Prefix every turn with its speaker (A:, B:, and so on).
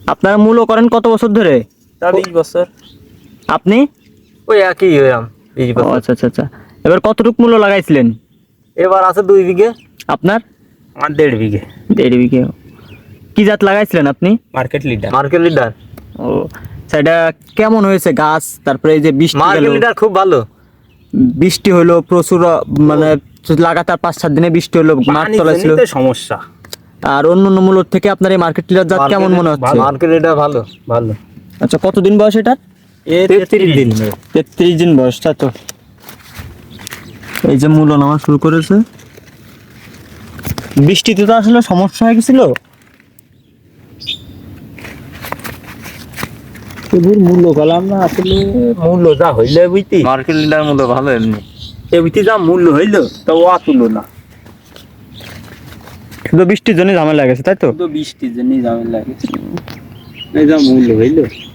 A: আপনারা মূল্য করেন কত বছর ধরে?
B: তা 20 বছর।
A: আপনি?
B: ওই একই হইলাম 20
A: ও
B: বছর।
A: আচ্ছা আচ্ছা আচ্ছা। এবার কতটুক মূল্য লাগাইছিলেন?
B: এবার আছে 2 বিঘে।
A: আপনার?
B: আমার 1.5 বিঘে।
A: 1.5 বিঘে। কি জাত লাগাইছিলেন আপনি?
B: Market leader. Market leader.
A: ও সেটা কেমন হয়েছে গাছ? তারপরে এই যে বৃষ্টি গেল,
B: মার্কেট লিডার খুব ভালো।
A: বৃষ্টি হলো প্রচুর, মানে লাগাতার 5-7 দিনে বৃষ্টি হলো, মাঠ তলা ছিল।
B: পানিতে সমস্যা।
A: আর অন্য অন্য মূল্য থেকে আপনার এই মার্কেট লিডার জাত কেমন মনে হচ্ছে?
B: মার্কেট লিডার ভালো ভালো।
A: আচ্ছা, কতদিন বয়স এটার?
B: 33 দিন।
A: 33 দিন বয়স, তাই তো। এই যে মূল্য নামা শুরু করেছে। বৃষ্টিতে তো আসলে সমস্যা হয়ে গেছিল।
B: প্রচুর মূল্য গেলাম না আসলে, মূল্য যা হইলে বুঝতি।
A: মার্কেট লিডার মূল্য ভালো এমনি।
B: এবিতে যা মূল্য হইলো তা ও তুলো না।
A: শুধু বৃষ্টির জন্য ঝামেলা গেছে, তাই তো।
B: শুধু বৃষ্টির জন্যই ঝামেলা লাগে। এই যা মূল্য হইলো।